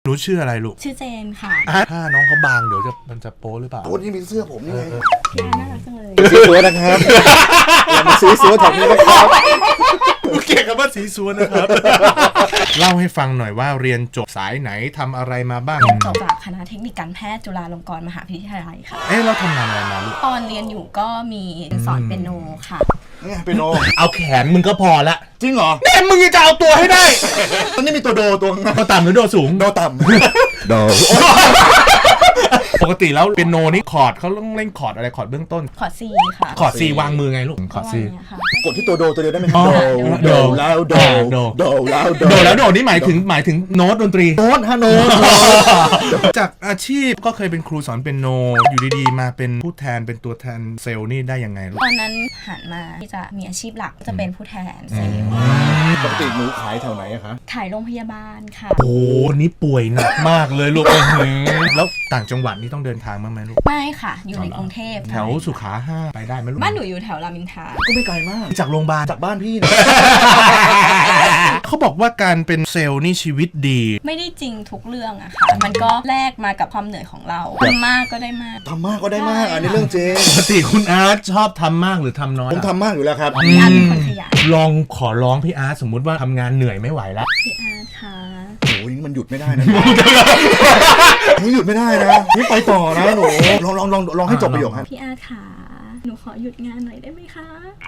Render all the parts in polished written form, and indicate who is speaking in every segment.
Speaker 1: หนูชื่ออะไรลูก
Speaker 2: ชื่อเจนค่ะ
Speaker 1: ถ้าน้องเขาบางเดี๋ยวมันจะโป๊หรือเปล่า
Speaker 3: โอ้นี่มีเสื้อผมนี่ไง
Speaker 2: น่ารักจังเลย
Speaker 3: สีสวยนะครับอย่ามาซื้อเสื้อแถวนี้นะครับ
Speaker 1: เก่งกับว่าสีสวนนะครับเล่าให้ฟังหน่อยว่าเรียนจบสายไหนทำอะไรมาบ้าง
Speaker 2: จบจากคณะเทคนิคการแพทย์จุฬาลงกรณ์มหาวิทยาลัยค่ะ
Speaker 1: เราทำงานอะไรมาลูก
Speaker 2: ตอนเรียนอยู่ก็มีสอนเปียโนค่ะ
Speaker 3: นี่เปียโน
Speaker 1: เอาแขนมึงก็พอละ
Speaker 3: จริงเหรอ
Speaker 1: แน่มึงจะเอาตัวให้ได้
Speaker 3: ตอนนี้มีตัวโด
Speaker 1: ต่ำหรือโดสูง
Speaker 3: โดต่ำโด
Speaker 1: ปกติแล้วเปียโนนี่คอร์ดเขาต้องเล่นคอร์ดอะไรคอร์ดเบื้องต้น
Speaker 2: คอร์ด C ค่ะ
Speaker 1: คอร์ด C วางมือไงลูกคอร์ด C
Speaker 3: กดที่ตัวโดตัวเดียวได้ไหม
Speaker 1: โด
Speaker 3: แล้วโด
Speaker 1: แล้วโดนี่หมายถึงโน้ตดนตรี
Speaker 3: โน้ตฮะโน้ต
Speaker 1: จากอาชีพก็เคยเป็นครูสอนเปียโนอยู่ดีๆมาเป็นผู้แทนเป็นตัวแทนเซลล์นี่ได้ยังไงลูก
Speaker 2: ตอนนั้นหันมาที่จะมีอาชีพหลักจะเป็นผู้แทนเซลล์
Speaker 3: ปกติหนูขายแถวไหนอะคะ
Speaker 2: ขายโรงพยาบาลค่ะ
Speaker 1: โอ้นี่ป่วยหนักมากเลยลูกแล้วต่างจังหวัดนี่ต้องเดินทางมั้ยไหมลูก
Speaker 2: ไม่ค่ะอยู่ในกรุงเทพ
Speaker 1: แถวสุขา5ไปได้ไหมลูก
Speaker 2: บ้านหนูอยู่แถวรามอินทรา
Speaker 3: ก็ไม่ไกลมาก
Speaker 1: จากโรงพยาบาล
Speaker 3: จากบ้านพี่นะ
Speaker 1: เขาบอกว่าการเป็นเซลล์นี่ชีวิตดี
Speaker 2: ไม่ได้จริงทุกเรื่องอะค่ะมันก็แลกมากับความเหนื่อยของเราทำมากก็ได้มาก
Speaker 3: ทำมากก็ได้มากอันนี้เรื่องจริง
Speaker 1: ปกติคุณอาร์ตชอบทำมากหรือทำน้อย
Speaker 3: ผมทำมากอยู่แล้วครับ
Speaker 2: พี่อาร์ตเป็นคนขยัน
Speaker 1: ลองขอร้องพี่อาร์ตสมมุติว่าทำงานเหนื่อยไม่ไหวแล้ว
Speaker 2: พี่อาร์ตค่ะ
Speaker 3: โอ้ยมันหยุดไม่ได้นะนี่หยุดไม่ได้นะนี่ไปต่อนะหนูลองให้จบประโยคครับ
Speaker 2: พี่อาร์ตค่ะหนูขอหยุดงานหน่อยได้ไหมคะ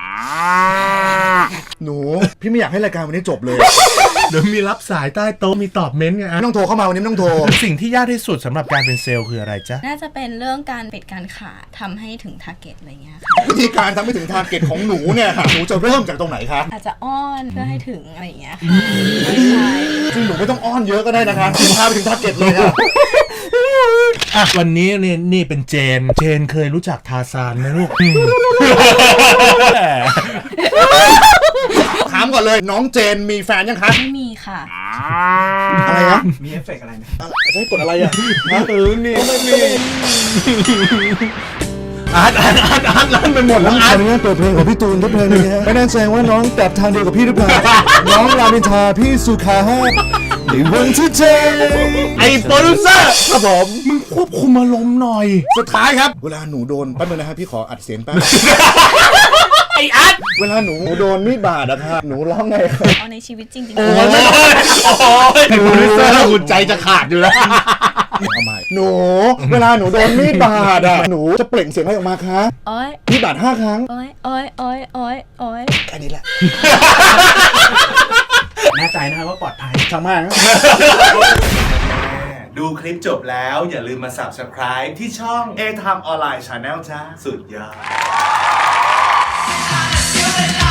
Speaker 3: หนูพี่ไม่อยากให้รายการวันนี้จบเลย
Speaker 1: เดี๋ยวมีรับสายใต้โต๊ะมีตอบเม้นต์ไง
Speaker 3: ไม่ต้องโทรเข้ามาวันนี้ไม่ต้องโทร
Speaker 1: สิ่งที่ยากที่สุดสำหรับการเป็นเซลล์คืออะไรจ๊ะ
Speaker 2: น่าจะเป็นเรื่องการปิดการขายทำให้ถึงทาร์เก็ตอะไรเงี้ยค่ะ
Speaker 3: วิธีการทำให้ถึงทาร์เก็ตของหนูเนี่ยหนูจะเริ่มจากตรงไหนคะ
Speaker 2: อาจจะอ้อนเพื่อให้ถึงอะไรเงี้ยค่ะ
Speaker 3: จริงหนูไม่ต้องอ้อนเยอะก็ได้นะคะพาไปถึงทาร์เก็ตเลยค่ะ
Speaker 1: วันนี้นี่เป็นเจนเคยรู้จักทาซานไหมลูก
Speaker 3: ถามก่อนเลยน้องเจนมีแฟนยังคะ
Speaker 2: ไม่มีค่ะ
Speaker 3: อะไรนะ
Speaker 4: มีเอฟเฟกต์อะไรไหม
Speaker 3: ใช้กดอะไรอ่ะ
Speaker 1: นี่ไม่มีอาร์ตลั่นไปหมดแล้ว
Speaker 3: อาร์ตเปิดเพลงของพี่ตูนทุกเพลงเลยฮะไม่แน่ใจว่าน้องแบบทางเดียวกับพี่หรือเปล่าน้องรามินทาพี่สุขาในวันที่เจ
Speaker 1: ไอ้โปรดิวเซอร์ครับผมมึงควบคุมอารมณ์หน่อย
Speaker 3: สุดท้ายครับเวลาหนูโดนแป๊บนึงนะครับพี่ขออัดเสียงแป๊บ
Speaker 1: ไอ้อาร์ต
Speaker 3: เวลาหนูโดนมีดบาดอะค่ะหนูร้องไง
Speaker 2: เอาในชีวิตจริง
Speaker 1: โอ้ยไอ้โปรดิวเซอร์หุ่นใจจะขาดอยู่แล้ว
Speaker 3: ทำไมหนูเวลาหนูโดนมีดบาดอะหนูจะเปล่งเสียงอะไรออกมาคะ
Speaker 2: โอ๊ย
Speaker 3: มีดบาด5 ครั้ง
Speaker 2: โอ๊ย
Speaker 3: แค่นี้แหละ
Speaker 4: แน่ใจนะครับว่าปลอดภัย
Speaker 3: ช่างมาก
Speaker 1: ดูคลิปจบแล้วอย่าลืมมา Subscribe ที่ช่อง A Time Online Channel จ้าสุดยอด